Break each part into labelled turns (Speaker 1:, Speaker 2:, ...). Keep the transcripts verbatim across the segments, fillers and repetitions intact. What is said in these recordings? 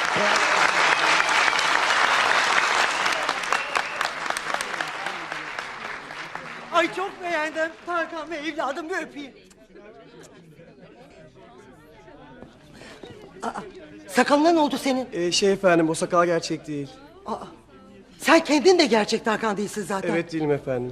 Speaker 1: Ay çok beğendim. Tarkan Bey evladım, bir öpeyim. Aa, sakalına ne oldu senin?
Speaker 2: Ee, şey efendim, o sakal gerçek değil.
Speaker 1: Aa, sen kendin de gerçek Tarkan değilsin zaten.
Speaker 2: Evet, değilim efendim.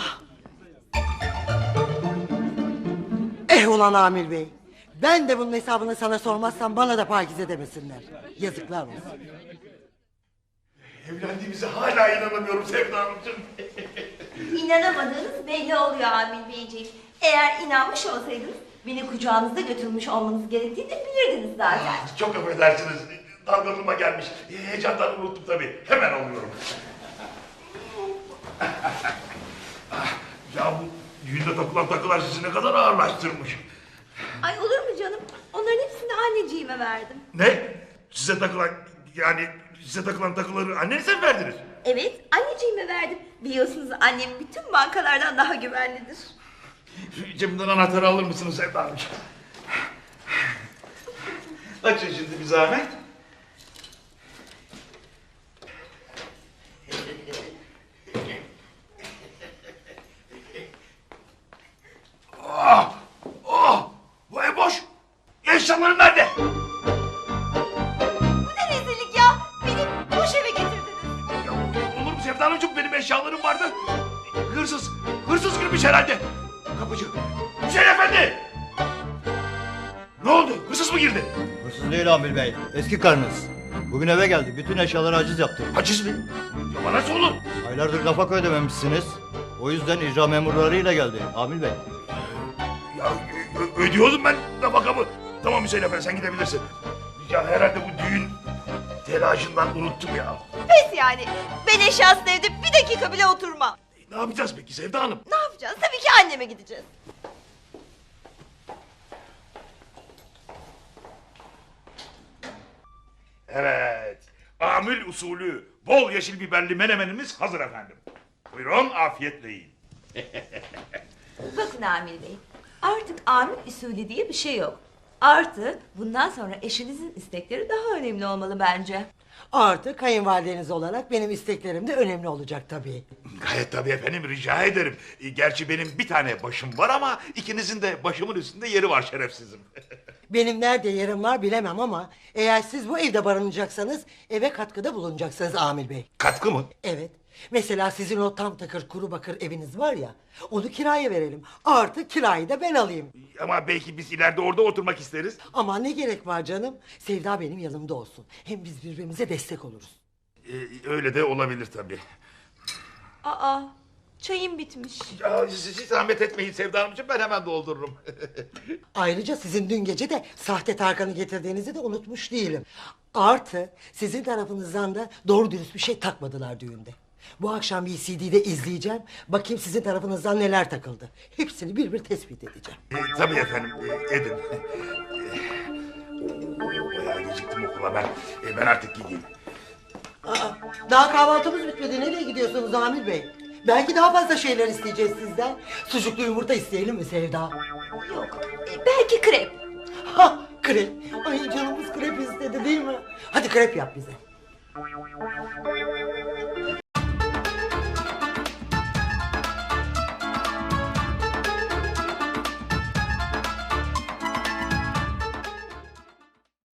Speaker 1: Eh ulan Amir Bey. Ben de bunun hesabını sana sormazsam bana da Pakize demesinler. Yazıklar olsun.
Speaker 3: Evlendiğimize hala inanamıyorum Sevda Hanımcığım.
Speaker 4: İnanamadığınız belli oluyor Amil Beyciğim. Eğer inanmış olsaydınız beni kucağınızda götürmüş olmanız gerektiğini de bilirdiniz zaten.
Speaker 3: Çok affedersiniz. Dalgınlığıma gelmiş. Heyecandan unuttum tabii. Hemen alıyorum. Ya bu düğünde takılan takılar sizi ne kadar ağırlaştırmış.
Speaker 4: Ay olur mu canım? Onların hepsini anneciğime verdim.
Speaker 3: Ne? Size takılan yani size takılan takıları annenize mi verdiniz?
Speaker 4: Evet, anneciğime verdim. Biliyorsunuz annem bütün bankalardan daha güvenlidir.
Speaker 3: Şu cebimden anahtarı alır mısınız Sevda Hanımcığım? Açın şimdi bir zahmet. Ah! Ah! Bu ev boş! Eşyalarım nerede?
Speaker 4: Bu ne rezillik ya? Beni boş eve getirdiniz.
Speaker 3: Ya, olur mu Sevda Hanımcığım? Benim eşyalarım vardı. Hırsız, hırsız girmiş herhalde. Kapıcı, Hüseyin Efendi! Ne oldu? Hırsız mı girdi?
Speaker 5: Hırsız değil Amil Bey. Eski karınız. Bugün eve geldi. Bütün eşyaları haciz yaptı.
Speaker 3: Haciz mi? Ya nasıl olur?
Speaker 5: Aylardır nafaka ödememişsiniz. O yüzden icra memurlarıyla geldi Amil Bey.
Speaker 3: Ya ö- ödüyordum ben nafakamı. Tamam Hüseyin Efendi sen gidebilirsin. Ya herhalde bu düğün telaşından unuttum ya.
Speaker 4: Pes yani. Ben eşyasız evde bir dakika bile oturmam.
Speaker 3: Ne yapacağız peki Sevda Hanım?
Speaker 4: Ne yapacağız? Tabii ki anneme gideceğiz.
Speaker 3: Evet. Amül usulü bol yeşil biberli menemenimiz hazır efendim. Buyurun afiyetle yiyin.
Speaker 4: Bakın Amil Bey, artık amir usulü diye bir şey yok. Artı bundan sonra eşinizin istekleri daha önemli olmalı bence.
Speaker 1: Artık kayınvalideniz olarak benim isteklerim de önemli olacak tabii.
Speaker 3: Gayet tabii efendim rica ederim. E, Gerçi benim bir tane başım var ama ikinizin de başımın üstünde yeri var şerefsizim.
Speaker 1: Benim nerede yerim var bilemem ama eğer siz bu evde barınacaksanız eve katkıda bulunacaksınız Amil Bey.
Speaker 3: Katkı mı?
Speaker 1: Evet. Mesela sizin o tam takır kuru bakır eviniz var ya, onu kiraya verelim. Artık kirayı da ben alayım.
Speaker 3: Ama belki biz ileride orada oturmak isteriz.
Speaker 1: Ama ne gerek var canım? Sevda benim yanımda olsun. Hem biz birbirimize destek oluruz.
Speaker 3: E, öyle de olabilir tabii.
Speaker 4: Aa, çayım bitmiş.
Speaker 3: Ya siz hiç zahmet etmeyin Sevda Hanımcığım ben hemen doldururum.
Speaker 1: Ayrıca sizin dün gece de sahte Tarkan'ı getirdiğinizi de unutmuş değilim. Artı sizin tarafınızdan da doğru dürüst bir şey takmadılar düğünde. Bu akşam bir C D'de izleyeceğim. Bakayım sizin tarafınızdan neler takıldı. Hepsini bir bir tespit edeceğim.
Speaker 3: E, tabii efendim e, edin. E, bayağı geciktim okula ben. E, ben artık gideyim.
Speaker 1: Aa, daha kahvaltımız bitmedi. Nereye gidiyorsunuz Amir Bey? Belki daha fazla şeyler isteyeceğiz sizden. Sucuklu yumurta isteyelim mi Sevda?
Speaker 4: Yok, e, belki krep.
Speaker 1: Ha, krep. Ay canımız krep istedi değil mi? Hadi krep yap bize.